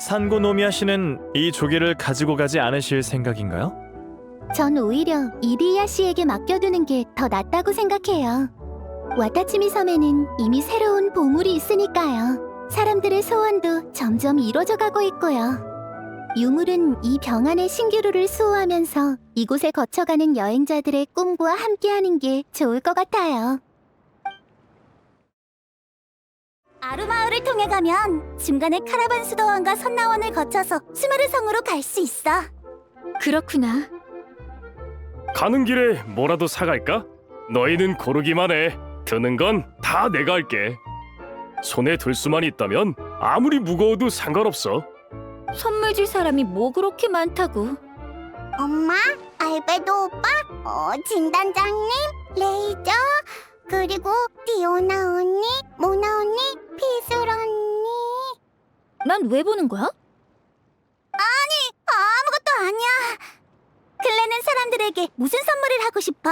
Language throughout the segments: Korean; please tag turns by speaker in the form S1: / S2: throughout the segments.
S1: 산고노미야 씨는 이 조개를 가지고 가지 않으실 생각인가요?
S2: 전 오히려 이리야 씨에게 맡겨두는 게 더 낫다고 생각해요. 와타치미 섬에는 이미 새로운 보물이 있으니까요. 사람들의 소원도 점점 이루어져 가고 있고요. 유물은 이 병 안의 신기루를 수호하면서 이곳에 거쳐가는 여행자들의 꿈과 함께하는 게 좋을 것 같아요. 아루마을을 통해 가면 중간에 카라반 수도원과 선나원을 거쳐서 스메르 성으로 갈 수 있어.
S3: 그렇구나.
S4: 가는 길에 뭐라도 사갈까? 너희는 고르기만 해. 드는 건 다 내가 할게. 손에 들 수만 있다면 아무리 무거워도 상관없어.
S3: 선물 줄 사람이 뭐 그렇게 많다고.
S2: 엄마, 알베도 오빠, 진단장님, 레이저, 그리고 디오나 언니, 모나 언니, 피술 언니.
S3: 난 왜 보는 거야?
S2: 아무것도 아니야. 클레는 사람들에게 무슨 선물을 하고 싶어?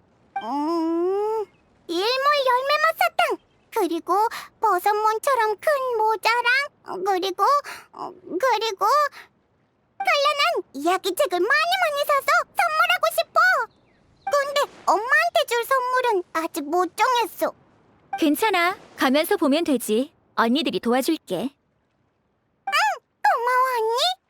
S2: 일몰 열매맛 사탕, 그리고 버섯몬처럼 큰 모자랑, 그리고 클레는 이야기책을 많이 사서 선물하고 싶어. 근데 엄마한테 줄 선물은 아직 못 정했어.
S3: 괜찮아. 가면서 보면 되지. 언니들이 도와줄게.
S2: 고마워 언니.